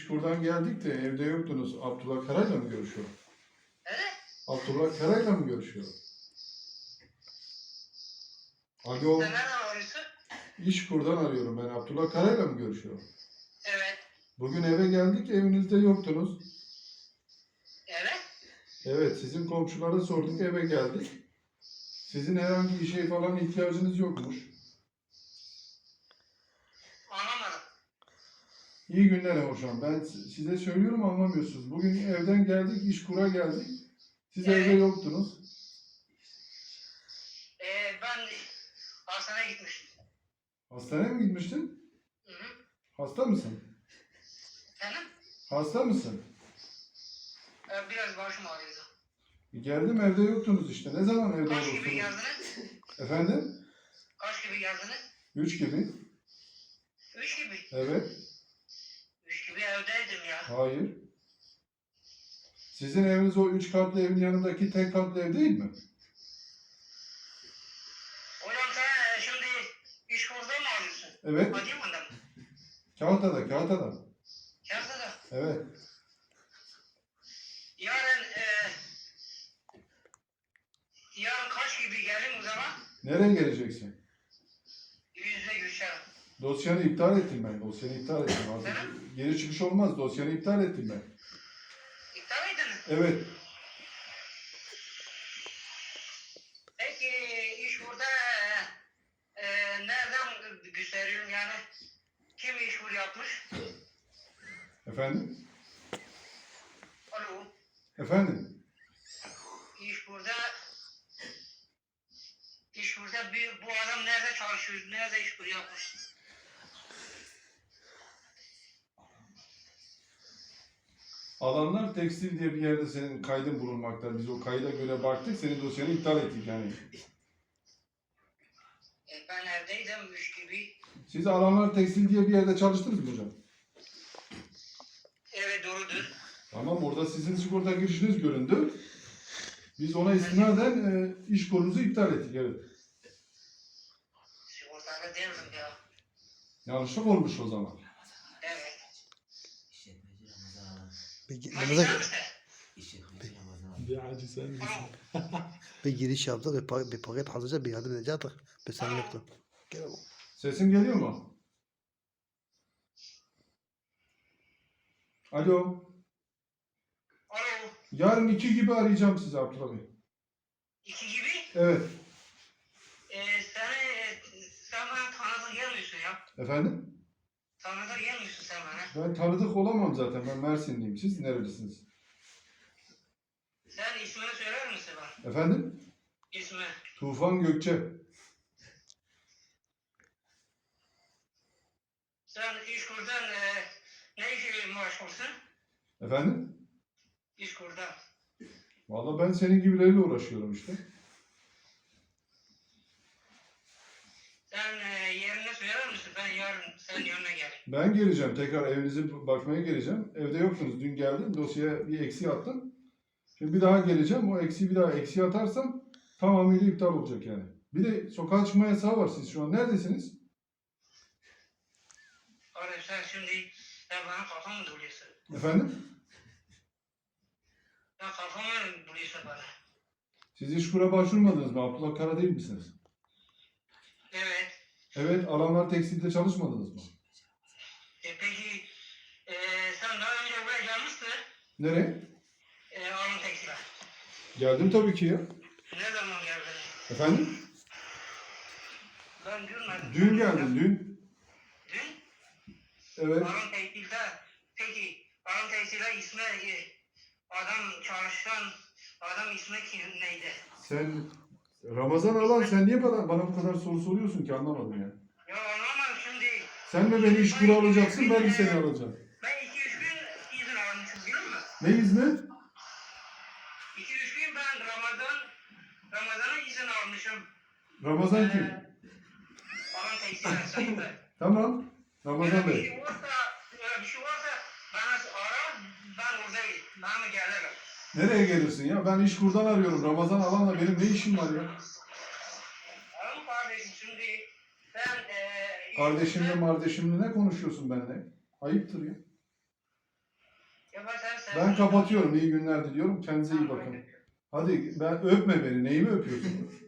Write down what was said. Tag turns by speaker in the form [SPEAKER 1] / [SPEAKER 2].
[SPEAKER 1] İşkur'dan geldik de evde yoktunuz. Abdullah Karay'la mı görüşüyor?
[SPEAKER 2] Evet.
[SPEAKER 1] Abdullah Karay'la mı görüşüyor? Alo.
[SPEAKER 2] Sen nereden arıyorsun?
[SPEAKER 1] İşkur'dan arıyorum ben. Abdullah Karay'la mı görüşüyor?
[SPEAKER 2] Evet.
[SPEAKER 1] Bugün eve geldik, evinizde yoktunuz.
[SPEAKER 2] Evet.
[SPEAKER 1] Evet, sizin komşulara sorduk, eve geldik. Sizin herhangi bir şey falan ihtiyacınız yokmuş.
[SPEAKER 2] Anlamadım.
[SPEAKER 1] İyi günler hocam. Ben size söylüyorum, anlamıyorsunuz. Bugün evden geldik, İşkur'a geldik. Siz
[SPEAKER 2] Evet.
[SPEAKER 1] evde yoktunuz.
[SPEAKER 2] Ben hastaneye gitmiştim.
[SPEAKER 1] Hastaneye mi gitmiştin?
[SPEAKER 2] Hı hı.
[SPEAKER 1] Hasta mısın?
[SPEAKER 2] Efendim?
[SPEAKER 1] Hasta mısın?
[SPEAKER 2] Biraz başım ağrıyordu.
[SPEAKER 1] Geldim, evde yoktunuz işte. Ne zaman evde
[SPEAKER 2] Kaç gibi
[SPEAKER 1] olursunuz?
[SPEAKER 2] geldiniz?
[SPEAKER 1] Efendim?
[SPEAKER 2] Kaç gibi geldiniz?
[SPEAKER 1] 3 gibi.
[SPEAKER 2] 3 gibi.
[SPEAKER 1] Evet.
[SPEAKER 2] 3 gibi evdeydim ya.
[SPEAKER 1] Hayır. Sizin eviniz o 3 katlı evin yanındaki tek katlı ev değil mi?
[SPEAKER 2] Hocam sen şimdi iş kurdu mu alıyorsun?
[SPEAKER 1] Evet.
[SPEAKER 2] Adıyaman'da mı?
[SPEAKER 1] Kağıtada, Kağıtada.
[SPEAKER 2] Yazda.
[SPEAKER 1] Evet.
[SPEAKER 2] Yarın kaç gibi gelin o zaman?
[SPEAKER 1] Nereye geleceksin?
[SPEAKER 2] Yüzde görüşelim.
[SPEAKER 1] Dosyanı iptal ettim ben. Dosyanı iptal ettim. Artık
[SPEAKER 2] Efendim?
[SPEAKER 1] geri çıkış olmaz. Dosyanı iptal ettim ben.
[SPEAKER 2] İptal ediniz.
[SPEAKER 1] Evet.
[SPEAKER 2] Peki iş burada nereden gösteriyorum yani? Kim iş kur yapmış?
[SPEAKER 1] Efendim?
[SPEAKER 2] Alo.
[SPEAKER 1] Efendim?
[SPEAKER 2] İş burada bu adam nerede çalışıyor? Nerede iş kur yapmış?
[SPEAKER 1] Alanlar Tekstil diye bir yerde senin kaydın bulunmakta. Biz o kayda göre baktık. Senin dosyanı iptal ettik yani.
[SPEAKER 2] Ben evdeydim 3 gibi.
[SPEAKER 1] Siz Alanlar Tekstil diye bir yerde çalıştınız mı hocam?
[SPEAKER 2] Evet doğrudur.
[SPEAKER 1] Tamam, orada sizin sigorta girişiniz göründü. Biz ona istinaden iş konunuzu iptal ettik. Evet.
[SPEAKER 2] Sigortalı değildim ya.
[SPEAKER 1] Yanlışlık olmuş o zaman.
[SPEAKER 2] Evet.
[SPEAKER 3] Bir,
[SPEAKER 2] Hadi
[SPEAKER 3] Ramazan,
[SPEAKER 2] sen misin?
[SPEAKER 1] Bir acı sen misin?
[SPEAKER 2] Alo.
[SPEAKER 3] bir giriş yaptık, bir paket hazırca bir yardım edecektik. Bir sen yoktun. Gel oğlum.
[SPEAKER 1] Sesim geliyor mu? Alo.
[SPEAKER 2] Alo.
[SPEAKER 1] Yarın 2 gibi arayacağım sizi Abdullah Bey.
[SPEAKER 2] 2 gibi.
[SPEAKER 1] Evet.
[SPEAKER 2] Sen bana tanıdık gelmiyorsun ya.
[SPEAKER 1] Efendim?
[SPEAKER 2] Tanıdık gelmiyorsun sen bana.
[SPEAKER 1] Ben tanıdık olamam zaten. Ben Mersinliyim. Siz nerelisiniz?
[SPEAKER 2] Sen ismini söyler misin bana?
[SPEAKER 1] Efendim?
[SPEAKER 2] İsmi.
[SPEAKER 1] Tufan Gökçe.
[SPEAKER 2] Sen iş kurdan ne işe meşgulsün?
[SPEAKER 1] Efendim?
[SPEAKER 2] İş kurdan.
[SPEAKER 1] Vallahi ben senin gibileriyle uğraşıyorum işte.
[SPEAKER 2] Sen yerini söyler misin? Ben yarın senin yanına geleyim.
[SPEAKER 1] Ben geleceğim. Tekrar evinize bakmaya geleceğim. Evde yoktunuz. Dün geldim. Dosyaya bir eksi attım. Şimdi bir daha geleceğim. O eksiği bir daha eksi atarsam tamamıyla iptal olacak yani. Bir de sokağa çıkma yasağı var. Siz şu an neredesiniz?
[SPEAKER 2] Oğlum sen bana kafamı buluyorsun.
[SPEAKER 1] Efendim?
[SPEAKER 2] Sen kafamı buluyorsun bana.
[SPEAKER 1] Siz İşkur'a başvurmadınız mı? Abdullah Kara değil misiniz?
[SPEAKER 2] Evet.
[SPEAKER 1] Evet. Alanlar Tekstil'de çalışmadınız mı?
[SPEAKER 2] Peki sen daha önce buraya gelmiştin.
[SPEAKER 1] Nereye?
[SPEAKER 2] Alın tekstile.
[SPEAKER 1] Geldim tabii ki ya.
[SPEAKER 2] Ne zaman geldin?
[SPEAKER 1] Efendim?
[SPEAKER 2] Ben görmedim.
[SPEAKER 1] Dün geldim. Dün.
[SPEAKER 2] Dün?
[SPEAKER 1] Evet.
[SPEAKER 2] Alın tekstilde. Peki alın tekstilde ismi adam çalışan adam ismi neydi?
[SPEAKER 1] Sen Ramazan Alan, sen niye bana bu kadar soru soruyorsun ki, anlamadım ya.
[SPEAKER 2] Ya anlamadım şimdi.
[SPEAKER 1] Sen mi beni İşkur'a alacaksın, ben mi seni alacağım?
[SPEAKER 2] Ben 2-3 gün izin almışım biliyor musun?
[SPEAKER 1] Ne izni?
[SPEAKER 2] 2-3 gün ben Ramazan'a izin almışım.
[SPEAKER 1] Ramazan kim?
[SPEAKER 2] Alın tekstilde sahibi.
[SPEAKER 1] Tamam. Ramazan Bey.
[SPEAKER 2] Öyle bir şey varsa bana ara, ben oradayım. Bana gelirim.
[SPEAKER 1] Nereye gelirsin ya? Ben İşkur'dan arıyorum. Ramazan Alan'la benim ne işim var ya?
[SPEAKER 2] Tamam kardeşim şimdi ben
[SPEAKER 1] Kardeşimle ne konuşuyorsun benimle? Ayıptır ya.
[SPEAKER 2] Ya sen
[SPEAKER 1] Ben kapatıyorum. İyi günler diliyorum. Kendinize iyi bakın. Hadi ben öpme beni. Neyimi öpüyorsun?